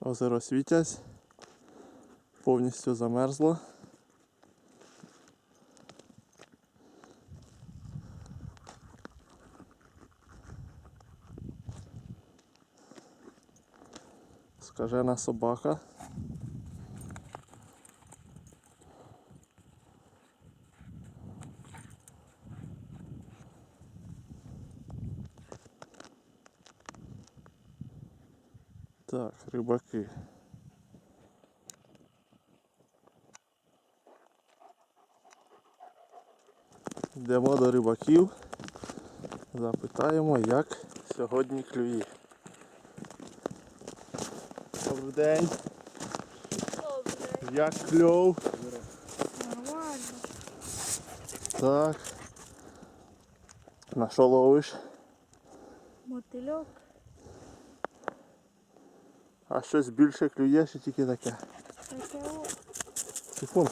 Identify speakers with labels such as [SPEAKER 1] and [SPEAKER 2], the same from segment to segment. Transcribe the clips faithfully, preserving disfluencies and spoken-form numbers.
[SPEAKER 1] Озеро Світязь повністю замерзло. Скажена собака. Так, рибаки. Йдемо до рибаків. Запитаємо, як сьогодні клює. Добрий день.
[SPEAKER 2] Добре.
[SPEAKER 1] Як кльов?
[SPEAKER 2] Нормально.
[SPEAKER 1] Так. На що ловиш?
[SPEAKER 2] Мотильок.
[SPEAKER 1] А щось більше клює, чи тільки таке?
[SPEAKER 2] Таке о.
[SPEAKER 1] Сифон.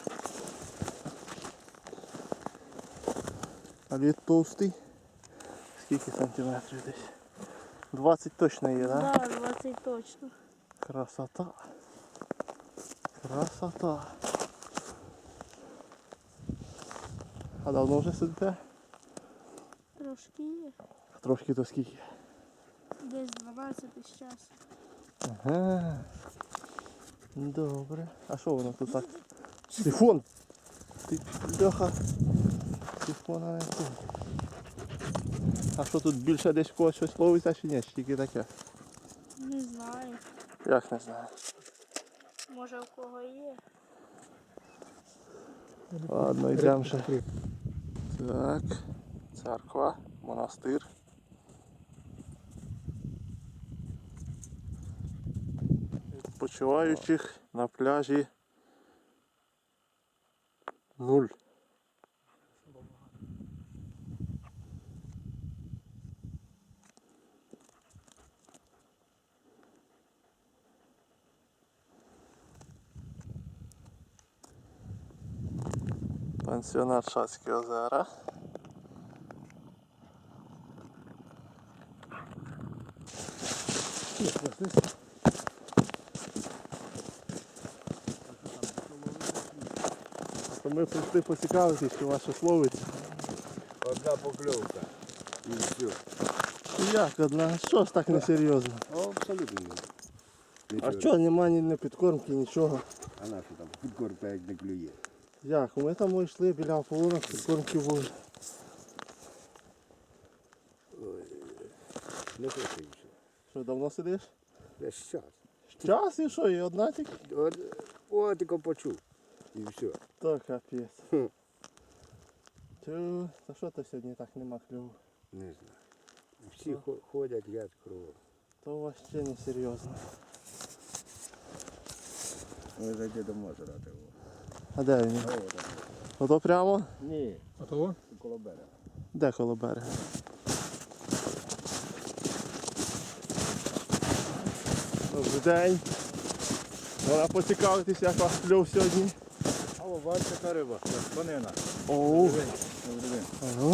[SPEAKER 1] А лід товстий? Скільки сантиметрів десь? двадцять точно є, так? Да?
[SPEAKER 2] Да, двадцять точно.
[SPEAKER 1] Красота. Красота. А давно вже сидите?
[SPEAKER 2] Трошки є.
[SPEAKER 1] Трошки то скільки?
[SPEAKER 2] Десь дванадцять з часу.
[SPEAKER 1] Ага. Добре. А що воно тут так? Сифон! Ти бляха. Сифона не тут. А що тут більше десь в когось щось ловиться чи ні? Чи тільки таке?
[SPEAKER 2] Не знаю.
[SPEAKER 1] Як не знаю.
[SPEAKER 2] Може у кого є.
[SPEAKER 1] Ладно, йдемо ще. Так. Церква, монастир. Відпочиваючих на пляжі нуль. Пансіонат Шацькі озера. То ми прийшли поцікавитись, що ваше словиться.
[SPEAKER 3] Одна покльовка. І все.
[SPEAKER 1] Як одна? Що ж так несерйозно?
[SPEAKER 3] Абсолютно.
[SPEAKER 1] А що, нема ні не підкормки, нічого.
[SPEAKER 3] А на що там? Підкормка як не клює.
[SPEAKER 1] Як? Ми там йшли біля ополонок, підкормки були.
[SPEAKER 3] Не хочу ще.
[SPEAKER 1] Що, давно сидиш?
[SPEAKER 3] Весь час.
[SPEAKER 1] Час і що, і одна тільки?
[SPEAKER 3] От, от тільки почув. І все.
[SPEAKER 1] То капець.
[SPEAKER 3] Хм.
[SPEAKER 1] Тю, та що то сьогодні так нема клюву?
[SPEAKER 3] Не знаю. Всі хо- ходять, я кругом.
[SPEAKER 1] То у вас ще не серйозно.
[SPEAKER 3] Ми зайти до озера.
[SPEAKER 1] А де він? Ото прямо?
[SPEAKER 3] Ні.
[SPEAKER 4] А того?
[SPEAKER 3] Коло берега.
[SPEAKER 1] Де коло берега? Добрий день. Можна поцікавитись, як у вас клюв сьогодні.
[SPEAKER 3] А о, бачите, яка риба. Конина.
[SPEAKER 1] Оу.
[SPEAKER 3] Добрий день.
[SPEAKER 1] Ага.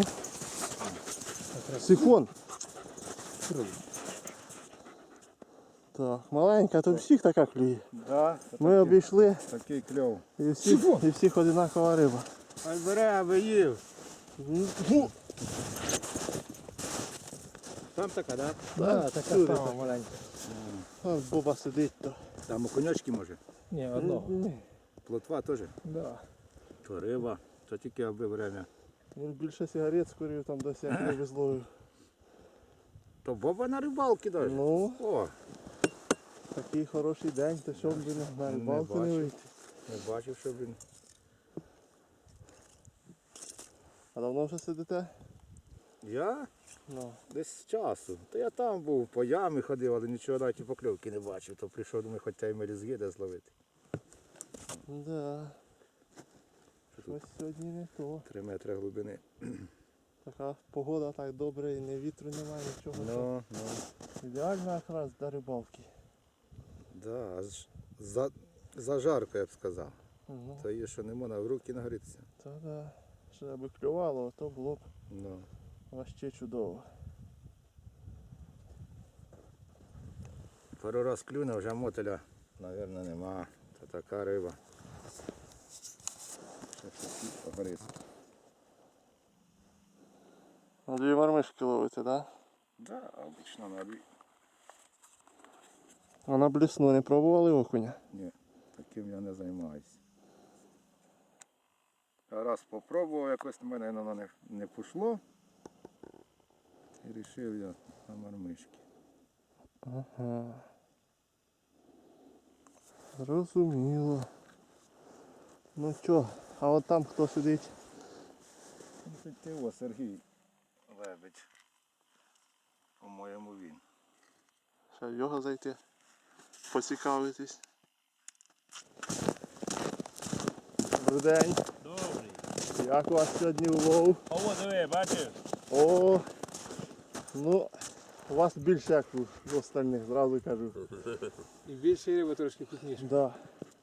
[SPEAKER 1] Сифон. Так, маленька, то всіх така клює.
[SPEAKER 3] Да,
[SPEAKER 1] Ми обійшли
[SPEAKER 3] такий кльов.
[SPEAKER 1] і всіх, і всіх одинакова риба.
[SPEAKER 3] Ай бере, аби їв.
[SPEAKER 1] Ну,
[SPEAKER 3] Там така, так?
[SPEAKER 1] да,
[SPEAKER 4] така
[SPEAKER 1] всюди
[SPEAKER 4] сама
[SPEAKER 1] так.
[SPEAKER 4] маленька.
[SPEAKER 1] А, Боба сидить то.
[SPEAKER 3] Там у конячки може.
[SPEAKER 4] Ні, одного.
[SPEAKER 1] Ні,
[SPEAKER 3] Плотва теж.
[SPEAKER 4] Да.
[SPEAKER 3] То риба, то тільки аби время.
[SPEAKER 1] він більше сигарет скурив там досі як не везлою.
[SPEAKER 3] То боба на рибалки навіть.
[SPEAKER 1] Ну,
[SPEAKER 3] О,
[SPEAKER 1] такий хороший день, то що б ви не на
[SPEAKER 3] Не
[SPEAKER 1] рибалку не
[SPEAKER 3] бачив.
[SPEAKER 1] вийти.
[SPEAKER 3] не бачив, що він.
[SPEAKER 1] А давно вже сидите?
[SPEAKER 3] Я
[SPEAKER 1] Ну.
[SPEAKER 3] десь з часу. То я там був, по ямі ходив, але нічого навіть і покльовки не бачив. То прийшов, думаю, хоч й мелізги де зловити.
[SPEAKER 1] Да. Щось сьогодні не то.
[SPEAKER 3] Три метри глибини.
[SPEAKER 1] Така погода так добре і не вітру немає, нічого.
[SPEAKER 3] Ну, ну.
[SPEAKER 1] Ідеально якраз для рибалки.
[SPEAKER 3] Да, аж за, за жарко, я б сказав.
[SPEAKER 1] Ну,
[SPEAKER 3] То є, що не можна в руки нагрітися.
[SPEAKER 1] та да. Ще аби клювало, то було б
[SPEAKER 3] Ну.
[SPEAKER 1] вообще чудово.
[SPEAKER 3] Пару раз клюне, вже мотеля, мабуть, нема. Це така риба. Ще щось погорить.
[SPEAKER 1] На дві мармишки ловите, да?
[SPEAKER 3] Да, обично на дві.
[SPEAKER 1] А на блісну не пробували окуня?
[SPEAKER 3] Ні, таким я не займаюся. Раз попробував, якось в мене воно не, не пішло. І вирішив я на мармишки.
[SPEAKER 1] Ага. Зрозуміло. Ну чо, а от там хто сидить?
[SPEAKER 3] Це Тео Сергій Лебедь. По-моєму він.
[SPEAKER 1] Ще в його зайти, поцікавитись. Добрий день.
[SPEAKER 4] Добрий.
[SPEAKER 1] Як у вас сьогодні улов?
[SPEAKER 4] О, диви, бачиш?
[SPEAKER 1] О, ну, у вас більше як у остальних, зразу кажу.
[SPEAKER 5] І більше риба трошки крупніше.
[SPEAKER 1] Да.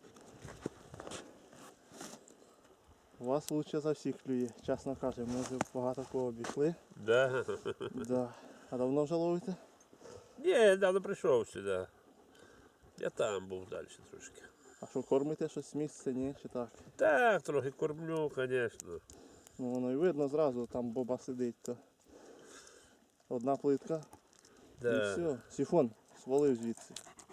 [SPEAKER 1] У вас лучше за всіх клює, чесно кажу, ми вже багато кого обійшли.
[SPEAKER 4] Да.
[SPEAKER 1] Да. А давно вже ловите?
[SPEAKER 4] Ні, я давно прийшов сюди. Я там був далі трошки.
[SPEAKER 1] А що, кормите щось з місця, ні, чи так?
[SPEAKER 4] Так, трохи кормлю, звісно.
[SPEAKER 1] Ну воно і видно зразу, там боба сидить, то одна плитка і
[SPEAKER 4] Да.
[SPEAKER 1] все. Сифон свалив звідси.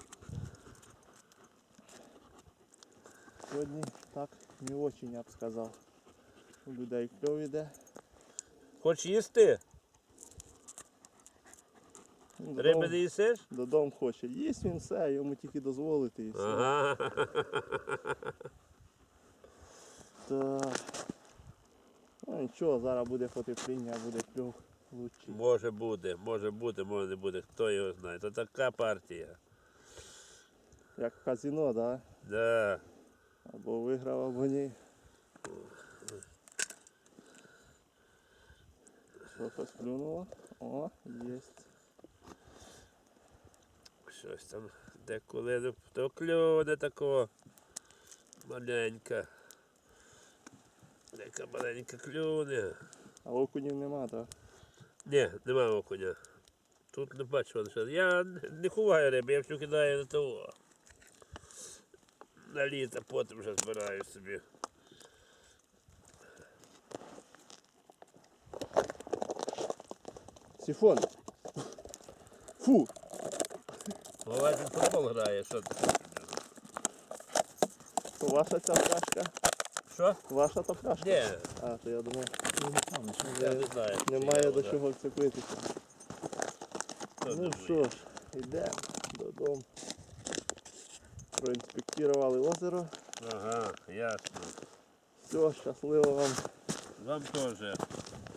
[SPEAKER 1] Сьогодні так не очень, я б сказав. У людей кльов іде.
[SPEAKER 4] Хоч їсти?
[SPEAKER 1] Він
[SPEAKER 4] Риби
[SPEAKER 1] додому,
[SPEAKER 4] не їсиш?
[SPEAKER 1] додому хоче. Їсть він все, йому тільки дозволити і все.
[SPEAKER 4] Ага.
[SPEAKER 1] Так. Ну нічого, зараз буде потепління, буде кльов лучший.
[SPEAKER 4] Може буде, може бути, може не буде, хто його знає. Це така партія.
[SPEAKER 1] Як в казино, да?
[SPEAKER 4] Да.
[SPEAKER 1] Або виграв, або ні. Що, щось клюнуло? О, єсть.
[SPEAKER 4] Щось там деколи то клюне такого. Маленька. Яка маленька клюне.
[SPEAKER 1] А окунів нема, так?
[SPEAKER 4] Ні, немає окуня. Тут не бачу лише. Я не ховаю риби, я всю кидаю на того. На літо, потім вже збираю собі.
[SPEAKER 1] Сифон! Фу!
[SPEAKER 4] Буває, він футбол грає, що ти?
[SPEAKER 1] То ваша ця пляшка?
[SPEAKER 4] Що?
[SPEAKER 1] Ваша та пляшка?
[SPEAKER 4] Ні,
[SPEAKER 1] А, то я думав,
[SPEAKER 4] я не знаю.
[SPEAKER 1] немає
[SPEAKER 4] чи
[SPEAKER 1] до
[SPEAKER 4] я
[SPEAKER 1] чого вцепитися.
[SPEAKER 4] Хто
[SPEAKER 1] Ну
[SPEAKER 4] думає?
[SPEAKER 1] що ж, йдемо додому. Проінспектували озеро.
[SPEAKER 4] Ага, ясно.
[SPEAKER 1] Все, щасливо вам.
[SPEAKER 4] Вам теж.